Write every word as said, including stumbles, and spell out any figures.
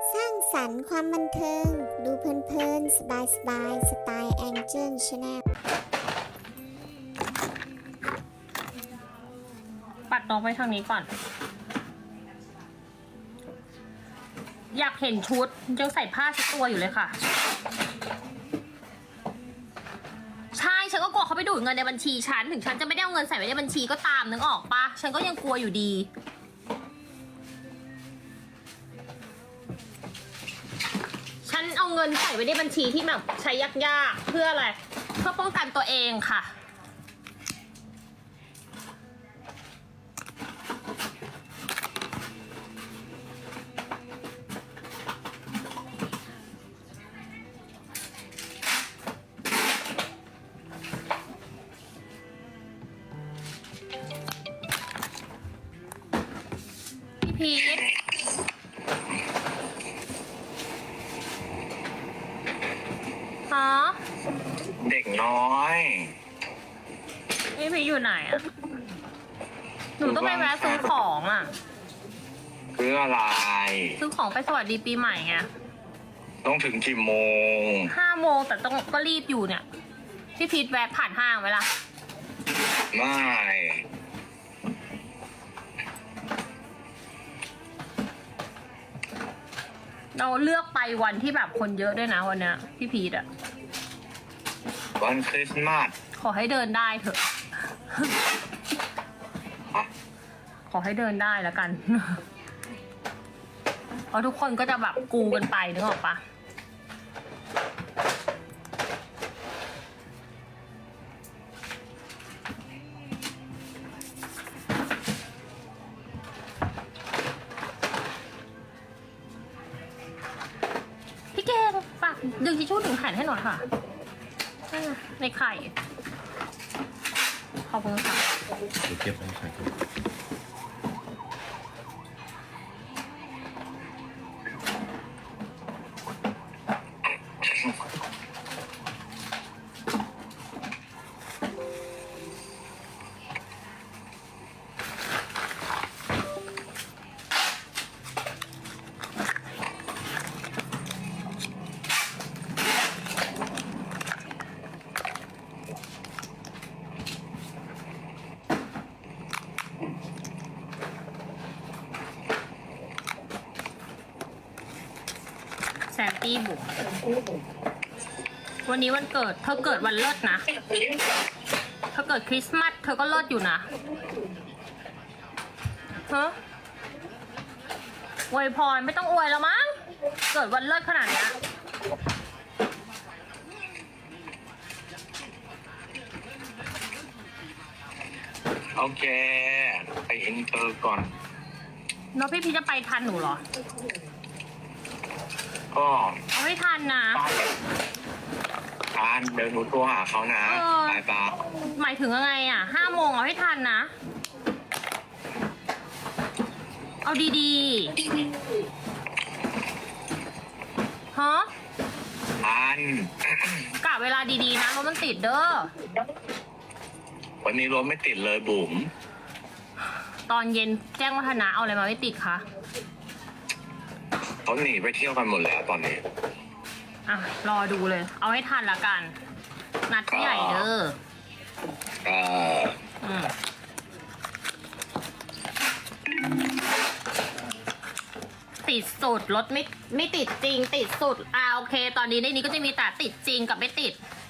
สร้างสรรค์ความบันเทิง ดูเพลินๆสบายสบายสไตล์แองเจิลชาแนลปัดน้องไปทางนี้ก่อน อยากเห็นชุดยังใส่ผ้าชุดตัวอยู่เลยค่ะ ใช่ฉันก็กลัวเขาไปดูดเงินในบัญชีฉันถึงฉันจะไม่ได้เอาเงินใส่ไว้ในบัญชีก็ตามนึกออกปะฉันก็ยังกลัวอยู่ดีฉันเอาเงินใส่ไว้ในบัญชีที่แบบใช้ยากๆเพื่ออะไรเพื่อป้องกันตัวเองค่ะพีทฮะเด็กน้อยนี่พีทอยู่ไหนอะหนูต้องไปแวะซื้อของอะซื้ออะไรซื้อของไปสวัสดีปีใหม่ไงต้องถึงกี่โมงห้าโมงแต่ต้องก็รีบอยู่เนี่ยพี่พีทแวะผ่านห้างไหมล่ะไม่เราเลือกไปวันที่แบบคนเยอะด้วยนะวันเนี้ยพี่พีทอะวันคริสต์มาสขอให้เดินได้เถอะขอให้เดินได้แล้วกันเพราะทุกคนก็จะแบบกูกันไปนึกออกปะพี่เก่งฝากดึงทิชชู่ถึงแผ่นให้หน่อยค่ะในไข่ขอบคุณค่ะเก็บไว้ใส่แซนตี้บุกวันนี้วันเกิดเธอเกิดวันเลิศนะเธอเกิดคริสต์มาสเธอก็เลิศอยู่นะฮะอวยพรไม่ต้องอวยแล้วมั้งเกิดวันเลิศขนาดนี้โอเคไปอินเตอร์ก่อนน้องพี่พี่จะไปทันหนูเหรอก็เอาไม่ทันนะทานเดี๋ยวหนูโทรหาเขานะบายบายหมายถึงยังไงอ่ะห้าโมงเอาให้ทันนะเอาดีๆฮะทันกะเวลาดีๆนะรถมันติดเด้อวันนี้รถไม่ติดเลยบุ๋มตอนเย็นแจ้งวัฒนะเอาอะไรมาไม่ติดคะเขาหนีไปเที่ยวกันหมดแล้วตอนนี้อ่ะรอดูเลยเอาให้ทันละกันนัดที่ใหญ่เด้อเอออืมติดสุดรถไม่ไม่ติดจริงติดสุดอ่าโอเคตอนนี้ในนี้ก็จะมีแต่ติดจริงกับไม่ติด